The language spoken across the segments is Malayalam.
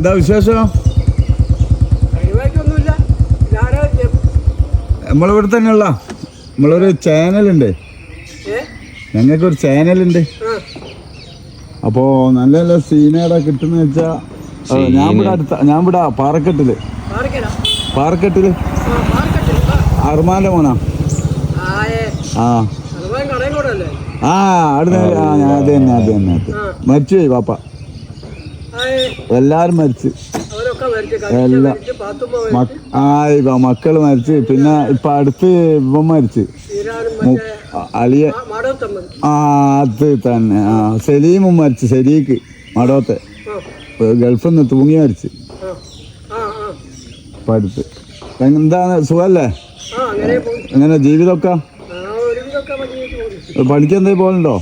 എന്താ വിശേഷം? നമ്മളിവിടെ തന്നെയുള്ള നമ്മളൊരു ചാനലുണ്ട്, ഞങ്ങൾക്കൊരു ചാനലുണ്ട്. അപ്പോൾ നല്ല നല്ല സീനേടാ കിട്ടുന്ന വെച്ചാൽ ഞാൻ ഇവിടെ പാറക്കെട്ടില് അർമാന്റെ മോനാ. അത് തന്നെ മരിച്ചുപോയി പാപ്പ, എല്ലാരും മരിച്ച്, മക്കള് മരിച്ച്. പിന്നെ ഇപ്പൊ അടുത്ത് ഇവൻ മരിച്ച്, അളിയ. അത് തന്നെ സലീമും മരിച്ച്, ശരീക്ക് മടോത്തെ ഗൾഫിൽ നിന്ന് തൂങ്ങി മരിച്ച് ഇപ്പൊ അടുത്ത്. എന്താണ് സുഖല്ലേ? എങ്ങനെ ജീവിതമൊക്കെ? പഠിക്കെന്തേ പോലുണ്ടോ?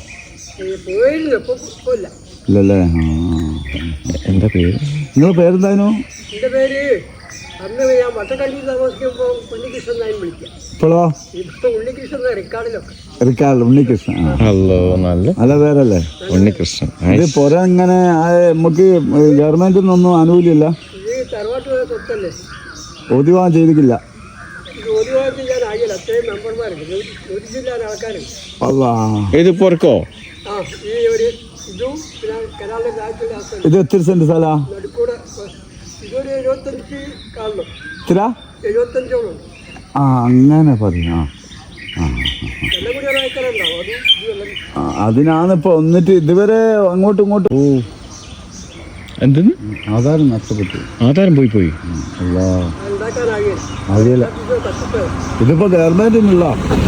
ഇല്ലല്ലേ. എന്താ പേര്? നിങ്ങളെ പേരെന്തായിരുന്നു? ഇപ്പോഴോ? റിക്കാർഡ് ഉണ്ണികൃഷ്ണൻ. നല്ല പേരല്ലേ ഉണ്ണികൃഷ്ണൻ. ഇത് പുറ ഇങ്ങനെ നമുക്ക് ഗവൺമെന്റിൽ നിന്നൊന്നും ആനുകൂല്യമില്ല, ഒതുവാൻ ചെയ്തിട്ടില്ല. ഇത് പൊറക്കോ? ഇത് എത്ര സെന്റ് സ്ഥലാ? അങ്ങനെ പറഞ്ഞു. അതിനാണിപ്പോ എന്നിട്ട് ഇതുവരെ അങ്ങോട്ടും ഇങ്ങോട്ടും. എന്തെന്ന്? ആധാരം നഷ്ടപ്പെട്ടു. ആധാരം പോയി. അറിയില്ല, ഇതിപ്പോ ഗവൺമെന്റിനുള്ള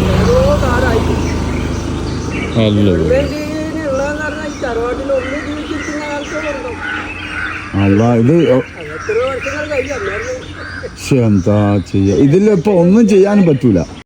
അല്ല. ഇത് എന്താ ചെയ്യാ? ഇതിലിപ്പോ ഒന്നും ചെയ്യാനും പറ്റൂല.